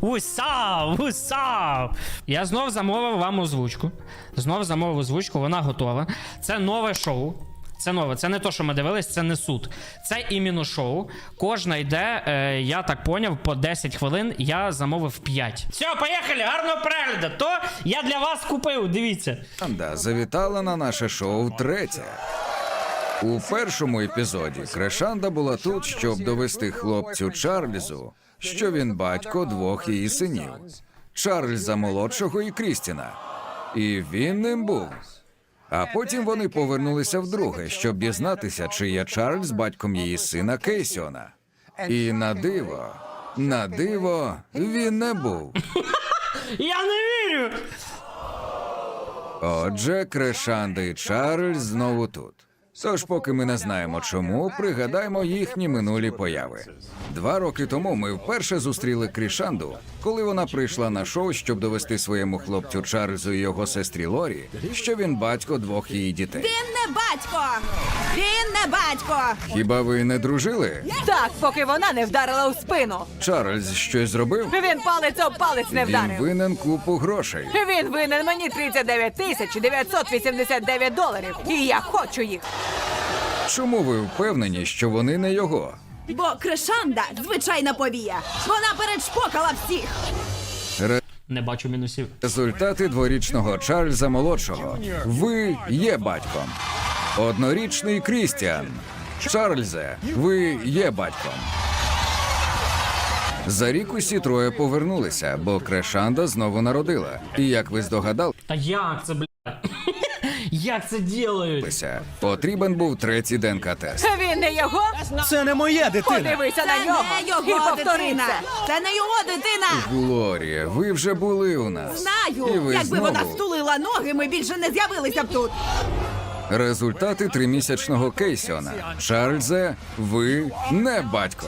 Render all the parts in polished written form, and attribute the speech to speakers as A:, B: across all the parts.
A: Усав! Я знов замовив вам озвучку. Вона готова. Це нове шоу. Це нове, це не то, що ми дивились, це не суд. Це іменно шоу. Кожна йде, я так поняв, по 10 хвилин, я замовив 5. Все, поїхали, гарного перегляду. То я для вас купив, дивіться.
B: Крешанда завітала на наше шоу втретє. У першому епізоді Крешанда була тут, щоб довести хлопцю Чарльзу, що він батько двох її синів. Чарльза молодшого і Крістіна. І він ним був. А потім вони повернулися вдруге, щоб дізнатися, чи є Чарльз батьком її сина Кейсіона. І на диво, він не був.
A: Я не вірю!
B: Отже, Крешанда і Чарльз знову тут. Тож, поки ми не знаємо чому, пригадаймо їхні минулі появи. 2 роки тому ми вперше зустріли Крішанду, коли вона прийшла на шоу, щоб довести своєму хлопцю Чарльзу і його сестрі Лорі, що він батько двох її дітей.
C: Він не батько! Він не батько!
B: Хіба ви не дружили?
D: Так, поки вона не вдарила у спину.
B: Чарльз щось зробив?
D: Він палець об палець не
B: Він
D: вдарив.
B: винен купу грошей.
D: Він винен мені 39 тисяч 989 доларів. І я хочу їх.
B: Чому ви впевнені, що вони не його?
C: Бо Крешанда – звичайна повія. Вона передшпокала всіх.
A: Не бачу мінусів.
B: Результати дворічного Чарльза молодшого. Ви є батьком. Однорічний Крістіан. Чарльзе, ви є батьком. За рік усі троє повернулися, бо Крешанда знову народила. І як ви здогадалися,
A: Та як це, бля? Як це ділають?
B: потрібен був третій ДНК-тест.
D: Він не його.
E: Це не моя дитина.
D: Подивися на
C: Це
D: нього.
C: не
D: І
C: його
D: повтори
C: дитина!
D: це.
C: Це не його дитина!
B: Глорія, ви вже були у нас. І
C: Знаю!
B: ви
C: Якби вона
B: знову.
C: стулила ноги, ми більше не з'явилися б тут.
B: Результати 3-місячного Кейсіона. Чарльзе, ви не батько.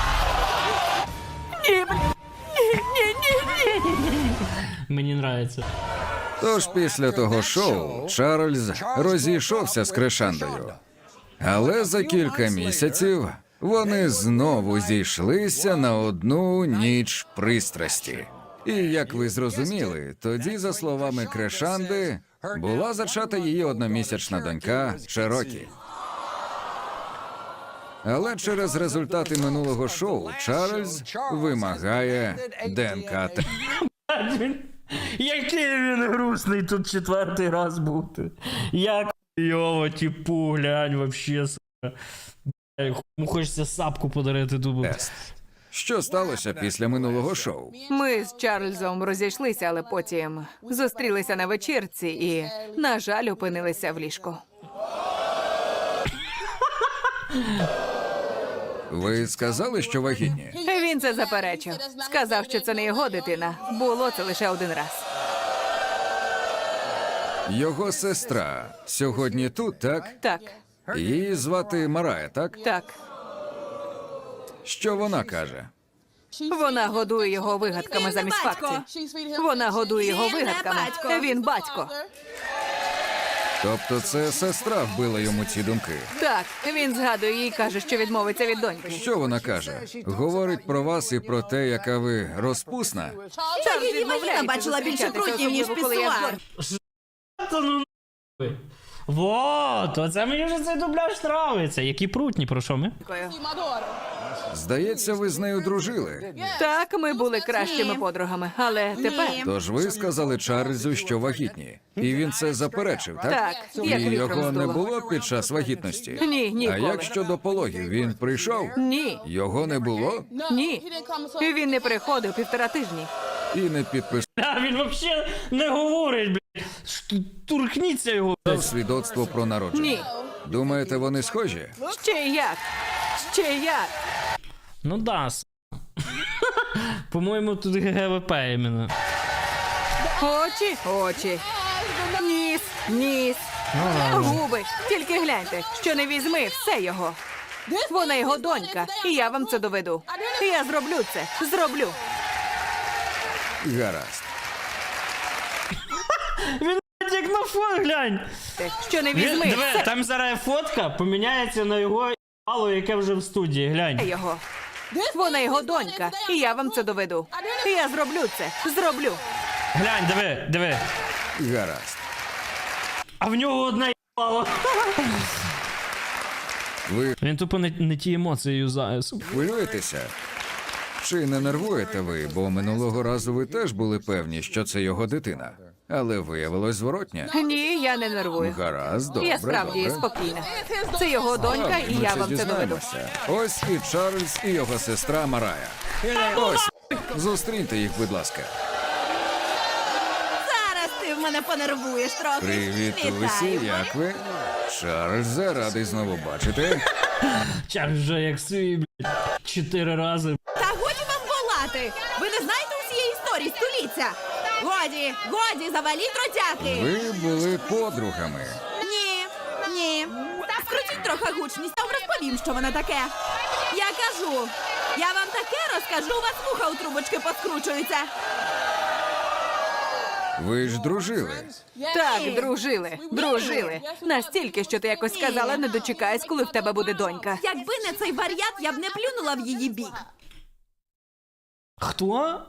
A: Мені нравиться.
B: Тож після того шоу Чарльз розійшовся з Крешандою. Але за кілька місяців вони знову зійшлися на одну ніч пристрасті. І, як ви зрозуміли, тоді, за словами Крешанди, була зачата її одномісячна донька Черокі. Але через результати минулого шоу Чарльз вимагає ДНК-тест.
A: Який він грустний тут 4-й раз бути. Як його, типу, глянь, вообще, сука. Йому хочеться сапку подарити дубу.
B: Що сталося після минулого шоу?
D: Ми з Чарльзом розійшлися, але потім зустрілися на вечірці і, на жаль, опинилися в ліжку.
B: Ви сказали, що вагітні?
D: Він це заперечив. Сказав, що це не його дитина. Було це лише один раз.
B: Його сестра сьогодні тут, так?
D: Так,
B: Її звати Марая, так?
D: так.
B: Що вона каже?
D: Вона годує його вигадками
C: Він не
D: замість
C: батько.
D: фактів. Вона годує його
C: Він не
D: вигадками.
C: батько.
D: Він батько.
B: Тобто це сестра вбила йому ці думки.
D: Так, він згадує її і каже, що відмовиться від доньки.
B: Що вона каже? Говорить про вас і про те, яка ви розпусна?
D: Чарльз
C: Її вагіна
D: відмовляється
C: бачила більше
D: зустрічатися,
C: прутнів, ніж
D: особливо, коли я
C: пісуар.
A: Та ну нахуй. Вот, оце мені вже цей дубляж нравиться. Які прутні, про що ми?
D: згадую.
B: Здається, ви з нею дружили.
D: Так, ми були кращими подругами, але тепер...
B: Тож ви сказали Чарльзу, що вагітні. І він це заперечив, так?
D: Так,
B: І
D: як вітром
B: його не
D: здуло.
B: було під час вагітності?
D: Ні,
B: А
D: ніколи.
B: як щодо пологів? Він прийшов?
D: Ні,
B: Його не було?
D: ні. Він не приходив 1,5 тижні.
B: І не підписав
A: А він взагалі не говорить, блядь. Туркніться його.
B: свідоцтво про народження.
D: Ні.
B: Думаєте, вони схожі?
D: Ще як? Ще як?
A: Ну да, По-моєму, тут ГВП іменно.
D: Очі, очі. Ніс, ніс. Губи. Тільки гляньте, що не візьми, все його. Вона його донька, і я вам це доведу. Я зроблю це, зроблю.
B: Гаразд.
A: Він як на фон, глянь.
D: Що не візьми,
A: Диви,
D: все
A: там зараз фотка поміняється на його мало, яке вже в студії, глянь.
D: його. Вона його донька, і я вам це доведу. Я зроблю це. Зроблю.
A: Глянь, диви.
B: Гаразд.
A: А в нього одна їбало.
B: Ви
A: Він тупо не ті емоції юзає.
B: хвилюєтеся? Чи не нервуєте ви, бо минулого разу ви теж були певні, що це його дитина, але виявилось зворотня?
D: Ні, я не нервую.
B: Гаразд, добре,
D: Я справді
B: добре.
D: спокійна. Це його донька, і
B: Ми
D: я
B: це
D: вам це доведу.
B: дізнаємося. Ось і Чарльз, і його сестра Марая. Ось, зустріньте їх, будь ласка.
C: Зараз ти в мене понервуєш трохи.
B: Привіт, Усі,
C: Вітаю.
B: як ви? Чарльзе, радий знову бачити.
A: Чак вже як свій, блядь, 4 рази.
C: Та годі вам волати! Ви не знаєте усієї історії століття? Годі, заваліть ротяки!
B: Ви були подругами.
C: Ні. Скрутіть трохи гучність, я вам розповім, що воно таке. Я кажу, я вам таке розкажу, у вас вуха у трубочки поскручуються.
B: Ви ж дружили.
D: Так, дружили. Настільки, що ти якось сказала, не дочекаюсь, коли в тебе буде донька.
C: Якби не цей варіант, я б не плюнула в її бік.
A: Хто?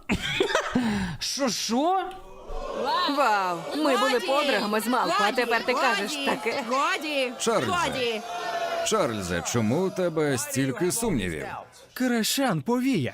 A: Що?
D: Вау, ми були подругами з малку, а тепер ти кажеш таке.
C: Годі.
B: Чарльзе. Чарльзе, чому у тебе стільки сумнівів?
E: Крашан повія.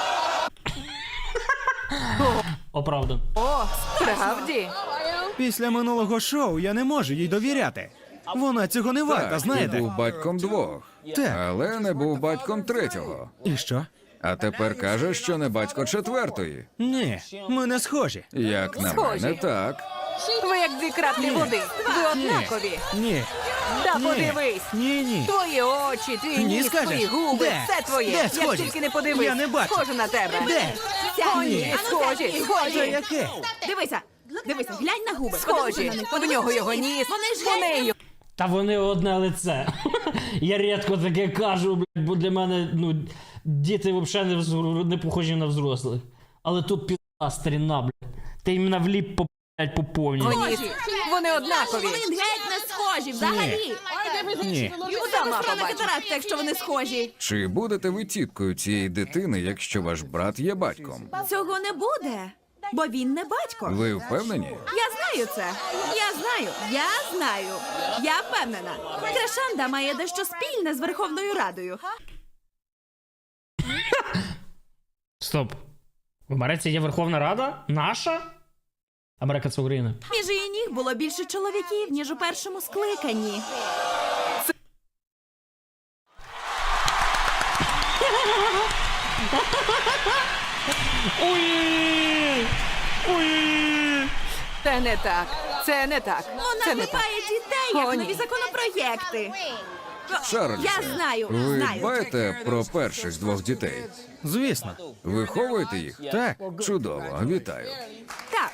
A: Оправдан.
D: О, справді.
E: Після минулого шоу я не можу їй довіряти. Вона цього не варта,
B: Так, ти
E: знаєте?
B: був батьком двох,
E: Так.
B: але не був батьком третього.
E: І що?
B: А тепер кажеш, що не батько четвертої.
E: Ні, ми не схожі.
B: Як на
D: Схожі.
B: мене, так.
D: Ви як дві краплі води. Ви однакові.
E: Ні.
D: Та
E: Ні.
D: подивись.
E: Ні.
D: Твої очі, твій
E: Ні,
D: ніс,
E: скажеш?
D: твої губи,
E: Де?
D: все твоє.
E: Де
D: Як
E: схожі?
D: тільки не подивись.
E: Я не бачу.
D: Схоже на тебе.
E: Де?
D: О,
E: Ні.
D: ні,
C: Ану,
D: схожі,
C: сядь,
E: Це
D: схожі.
E: яке?
C: Дивися, глянь на губи.
D: Схожі. В нього його ніс,
C: Вони ж
D: у
C: геть
D: неї.
A: Та вони одне лице. Я рідко таке кажу, блядь, бо для мене, діти взагалі не похожі на взрослих. Але тут пізда старіна, блядь. Ти іменно вліп по повній.
D: О, ні. Вони однакові.
C: Вони геть не схожі, взагалі.
E: Ні.
C: У тебе справа катаракта, якщо вони схожі.
B: Чи будете ви тіткою цієї дитини, якщо ваш брат є батьком?
C: Цього не буде, бо він не батько.
B: Ви впевнені?
C: Я знаю це. Я знаю. Я впевнена. Крашанда має дещо спільне з Верховною Радою.
A: Стоп. В Америці є Верховна Рада? Наша? Америка це Україна.
C: Між її ніг було більше чоловіків, ніж у першому скликанні.
A: Ой! Ой!
D: Це не так. Це не так.
C: Вона
D: Це не так.
C: клепає дітей, як
D: О, ні.
C: нові законопроєкти.
B: Чарльзе,
C: Я знаю,
B: ви
C: знаю.
B: дбаєте про перших двох дітей?
E: Звісно.
B: Виховуєте їх?
E: Так.
B: Чудово, вітаю.
C: Так,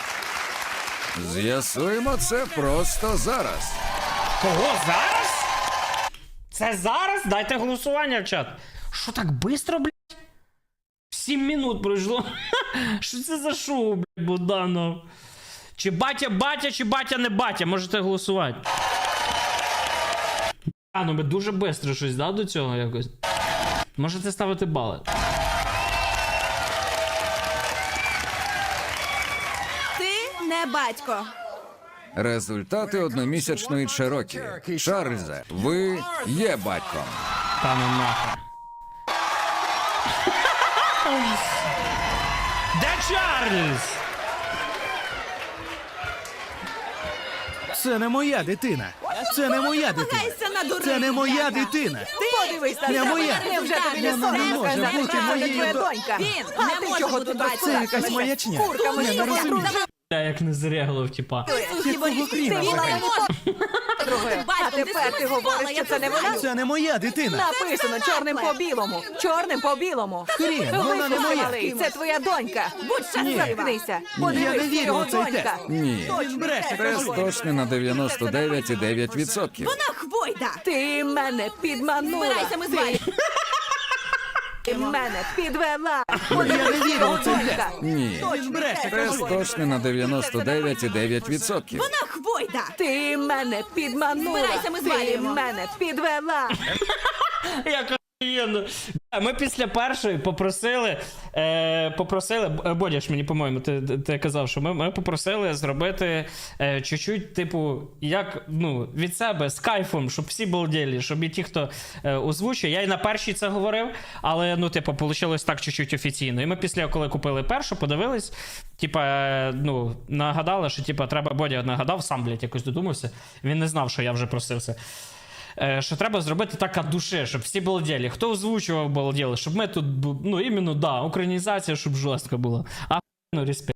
A: З'ясуємо це просто зараз. Кого зараз? Це зараз? Дайте голосування в чат. Що так швидко, блядь? 7 минут пройшло. Що це за шоу, блядь, Богданов? Чи батя, чи батя не батя? Можете голосувати. А, ну ми дуже швидко щось, да, до цього якось? Можете ставити бали.
C: ти не батько.
B: Результати одномісячної Черокі. Чарльзе, ви є батьком.
A: Та ну нахуй. Де Чарльз?
E: Це не моя дитина. Це не моя дитина.
C: Намагайся надурити.
E: Це не моя
C: Яка.
E: дитина.
D: Подивись на
E: Не
D: себе.
E: моя.
D: Невже тобі не
E: Вона не
D: соромно
E: може
D: сказати,
E: бути
D: що це
E: моєю
D: твоя
E: до-
D: донька?
C: Він
D: А
C: не
D: ти
C: може
D: чого
C: бути
D: тут
C: батьком.
E: Це якась
D: розкладаєшся?
E: маячня.
D: Курками
E: Я не
D: їздиш.
E: розумію.
A: Я як не зреглив, типа.
E: Якого хріна
C: Вона
E: взагалі?
C: не може.
D: Друге. А тепер ти говориш, що це не вона?
E: Це не моя дитина.
D: Написано чорним по білому. Чорним по білому.
E: Хрін, вона не моя.
D: Малий, це твоя донька. Будь щаслива. Заткнися.
E: Я не
D: Подивись, це
E: вірю
D: його
E: в цей
D: донька.
E: тест.
B: Ні.
E: Бреше,
B: Тест точний на 99,9%.
C: Вона хвойда.
D: Ти мене підманула.
C: Збирайся, ми з вами.
D: Ти мене підвела.
E: Я не
D: Подивись,
E: вірю
D: його
E: в цей
D: донька.
E: тест.
B: Ні.
E: Він бреше,
B: Тест
E: кажу.
B: точний на 99,9%.
C: Вона хвойда.
D: Ти мене підманула.
C: Збирайся, ми
D: Ти
C: звалюємо.
D: мене підвела.
A: Як охуєнно. Ми після першої попросили, Бодяш мені, по-моєму, ти казав, що ми попросили зробити чуть-чуть, типу, як, ну, від себе, з кайфом, щоб всі балділи, щоб і ті, хто озвучує. Я і на першій це говорив, але, ну, типу, вийшло так чуть-чуть офіційно. І ми після, коли купили першу, подивились, типа, ну, нагадали, що, типа, треба, Бодя нагадав, сам, блядь, якось додумався. Він не знав, що я вже просив це. Що треба зробити так від душі, щоб всі балділи. Хто озвучував балділи, щоб ми тут, ну, іменно, да, українізація, щоб жорстко було. А, ну, респект.